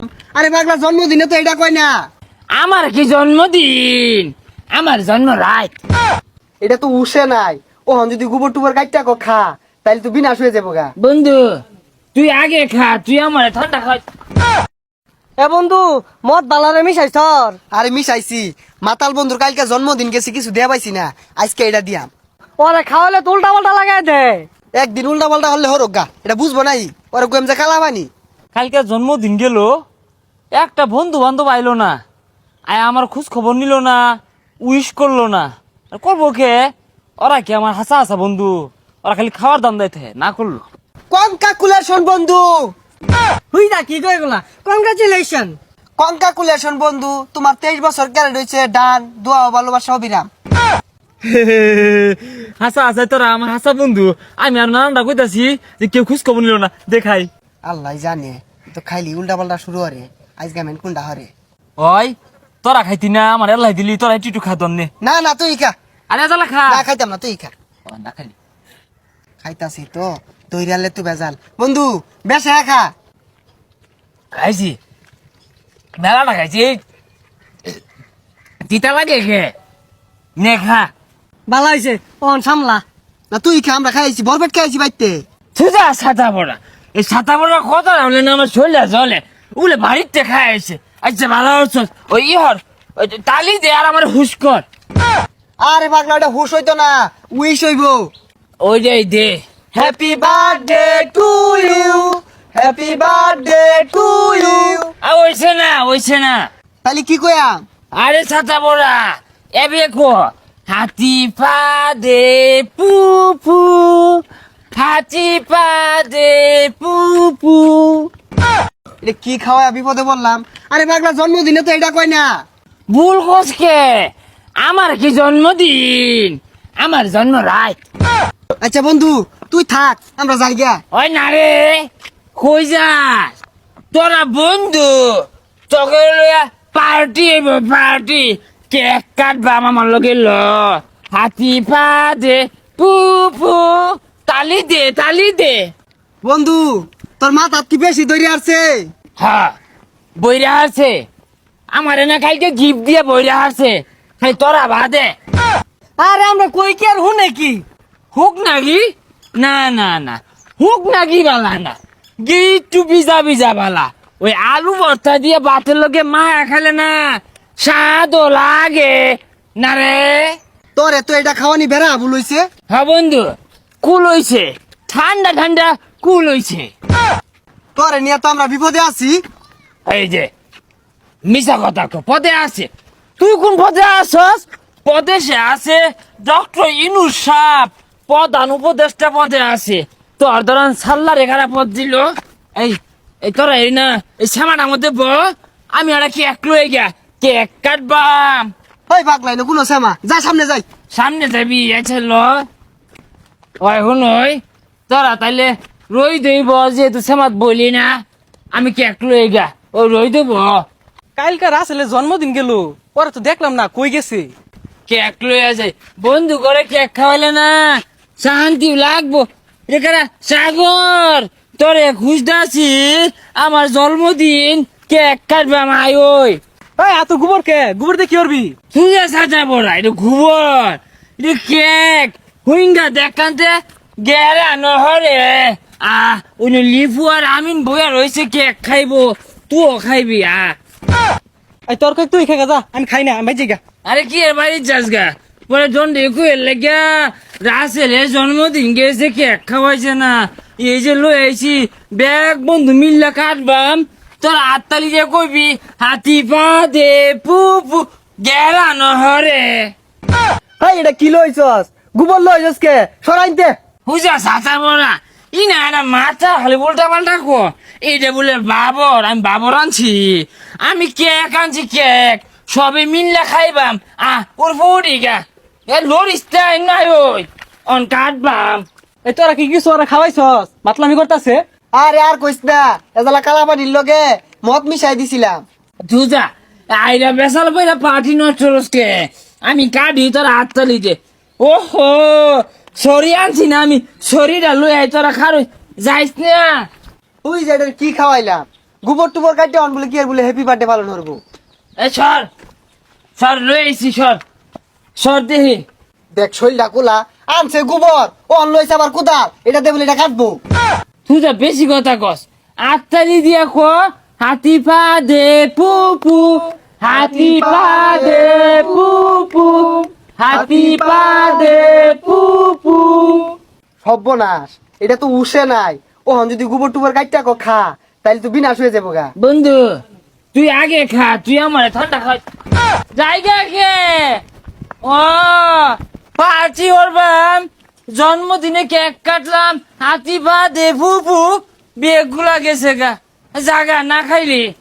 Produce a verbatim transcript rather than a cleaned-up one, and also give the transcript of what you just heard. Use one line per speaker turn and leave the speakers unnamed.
আরে পাগলা জন্মদিনে তো এটা কয় না।
আমার কি জন্মদিন? আমার জন্ম রাত।
এটা তো উঠে নাই। ও হন যদি গোবর টুবর কাটটা কো খা তাইলে তো বিনাশ হয়ে যাবো গা।
বন্ধু তুই আগে খা, তুই আমার ঠান্ডা খা।
এ বন্ধু মদ বালারে মিশাই সর।
আরে মিশাইছি, মাতাল বন্ধুর কালকে জন্মদিন গেছে কিছু দেয়া পাইছি না, আজকে এটা দিয়াম।
ওরে খাওয়ালে তো উল্টা পাল্টা লাগাই দে।
একদিন উল্টা পাল্টা হলে হরক গা, এটা বুঝবো নাই। ওরা গোয়েম যে কালা বানি।
কালকে জন্মদিন গেল, একটা বন্ধু বান্ধব আইলো না, আয় আমার খোঁজ খবর নিল না, উইশ করলো না। আর করবো কে? ওরা কি আমার হাসা হাসা বন্ধু? ওরা খালি খাওয়ার দাম দেয় না করলো।
কনকাকুলেশন বন্ধু,
হুই দা কি কই গুলা, কংগ্রাচুলেশন।
কনকাকুলেশন বন্ধু, তোমার তেইশ বছর ক্যারেট হয়েছে। ডান, দোয়া ও ভালোবাসা অবিরাম।
হাসা হাসা তোরা আমার হাসা বন্ধু। আমি আর নানানটা কইতাছি যে কেউ খোঁজ খবর নিল না, দেখাই।
আল্লাহ জানে, তো খাইলি উল্টা পাল্টা শুরু হরে। আজ গামেন কোনটা হরে?
ওই তোরা খাইতি না, আমার এলাই দিলি, তোরা টিটু খা দন্নে।
না না তুই খা।
আরে জ্বালা খা।
না খাইতাম না, তুই খা।
ও, না খালি
খাইতাছি তো, তৈরি আনলে তুই বেজাল বন্ধু। বেসা খা।
খাইছি, মেলাটা খাইছি। তিতা লাগে খে নে খা।
ভালো হইছে, ওন সামলা।
না তুই খা, আমরা খাইছি, বরপেট খাইছি বাইতে।
সুজা ছাতা পড়া, এই ছাতা পড়া কথা হলে না আমার শরীরে জলে উলে বাড়িতে খাই আছে। আচ্ছা ভালো হচ্ছে ওই ইহর ওই তালি দে আর আমার হুশ কর।
আরে পাগলা, ওটা হুশ হইতো না, উইশ হইব।
ওই যে দে।
Happy birthday to you, happy birthday to you.
আর ওইছে না, ওইছে না।
তাহলে কি কয়া?
আরে ছাতা পড়া এবে কো হাতি পা দে পু পু, হাতি পা দে পু পু।
এটা কি খাওয়া বিপদে বললাম। আরে পাগলা জন্মদিনে তো এটা কয় না।
ভুল কোসকে, আমার কি জন্মদিন? আমার জন্ম রাত।
আচ্ছা বন্ধু তুই থাক, আমরা যাই গা।
ওই না রে, কই যাস? তোরা বন্ধু তোকে লইয়া পার্টি হইব, পার্টি। কেক কাটবা আমার লগে ল। হাতি পা দে পু পু, তালি দে, তালি দে।
বন্ধু তোর মাথাত কি বেশি দৌড়ে আসছে?
হ্যাঁ বইরা আছে, আমার এনে কালকে গিফট দিয়ে বইরা আছে। খালি তোরা বাদে
আরে আমরা কই কি আর হুনে কি?
হুক নাকি? না না না, হুক নাকি বালা না, গিট্টু বিজা বিজা বালা। ওই আলু ভর্তা দিয়ে ভাতের লোকে মা খালে না স্বাদও লাগে না রে।
তোর এত এটা খাওয়ানি বেড়া ভুল হইছে।
হ্যাঁ বন্ধু, কুল হইছে, ঠান্ডা ঠান্ডা কুল হইছে।
তোরে নিয়ে তো আমরা বিপদে আছি।
এই যে মিশা কথা কো, পদে আছে। তুই কোন পদে আসস? পদে সে আছে ডক্টর ইনুস সাপ, প্রধান উপদেষ্টা পদে আছে। তোর ধরান সাল্লার এখানে পদ দিল। এই এই তোরা এই না এই শ্যামাটার মধ্যে ব, আমি ওরা কেক লয়ে গিয়া কেক কাটবাম।
ওই পাগলাই না কোনো শ্যামা, যা সামনে যাই।
সামনে যাবি আছে ল। ওই শুন, ওই তোরা তাইলে রই দইব, যেহেতু শ্যামাত বলি না, আমি কেক লয়ে গিয়া ওই রই দেব।
কালকার আসলে জন্মদিন গেল, ওরা তো দেখলাম না কই গেছে।
কেক লইয়া যায় বন্ধু করে, কেক খাওয়াইলে না শান্তি লাগবো। এখানে সাগর তোরে খুঁজতেছি, আমার জন্মদিন কেক কাটবে আমায়। ওই
ওই এত গোবর কে? গোবর দিয়ে কি করবি?
তুই সাজা বড়া, এটা ঘুবর, এটা কেক হুইঙ্গা দেখানতে গেরা নহরে। আহ ওই লিফু আর আমিন বইয়া রয়েছে, কেক খাইবো, তুইও খাইবি। আহ
এই তোর কই তুই খেয়ে যা, আমি খাই না, আমি ভাই গা।
আরে কি এর বাড়ির যাস গা? পরে জন দেখু এর লেগা রাসেলের জন্মদিন গেছে, কেক খাওয়াইছে না। এই যে লই আইছি ব্যাগ বন্ধু মিল্লা কাটবাম, তোর আত্মালি যে কইবি হাতি পা দে পু পু গেরা নহরে।
এই এটা কি লইছস? গোবর লইছস কে? সরাইতে।
হুজা সাঁচা বড়া ই না এটা মাথা খালি উল্টা পাল্টা কো। এইটা বলে বাবর, আমি বাবর আনছি, আমি কেক আনছি, কেক সবে মিল্লা খাইবাম। আহ ওর ফুটি গা এ লরিস তাই নাই ওই অন কাটবাম।
এই তোরা কি কিছু ওরা খাওয়াইছস? মাতলামি করতেছে।
আরে আর কইস না, এজালা কালা পানির লগে মদ মিশাই দিছিলাম।
দুজা আইরা বেসাল পয়লা পার্টি নষ্ট রসকে, আমি কাটি তোর হাততালি যে। ওহো সরি আনছি না আমি, শরীরা লই আই তোরা খারো যাইস না।
তুই যে এটা কি খাওয়াইলাম? গোবর টুবর কাটতে অন বলে কি আর বলে হ্যাপি বার্থডে পালন করবো।
এ সর সর রয়েছি সর সর দেহি
দেখ শৈলটা কোলা আনছে গোবর ও অন লইছে আবার কোদাল এটা দিয়ে বলে এটা কাটবো।
তুই তো বেশি কথা কস আত্মারি দিয়া ক হাতি পা দে পুপু হাতি পা দে পুপু হাতি পা দে পুপু।
সর্বনাশ, এটা তো উঠে নাই। ও হন যদি গোবর টুবর কাটতে কো খা তাইলে তো বিনাশ হয়ে যাবো গা।
বন্ধু তুই আগে খা তুই আমার ঠান্ডা খা জায়গা খে ও পার্টি করবাম জন্মদিনে কেক কাটলাম হাতি পা দে পুপু বেগুলা গেছে গা জাগা না খাইলি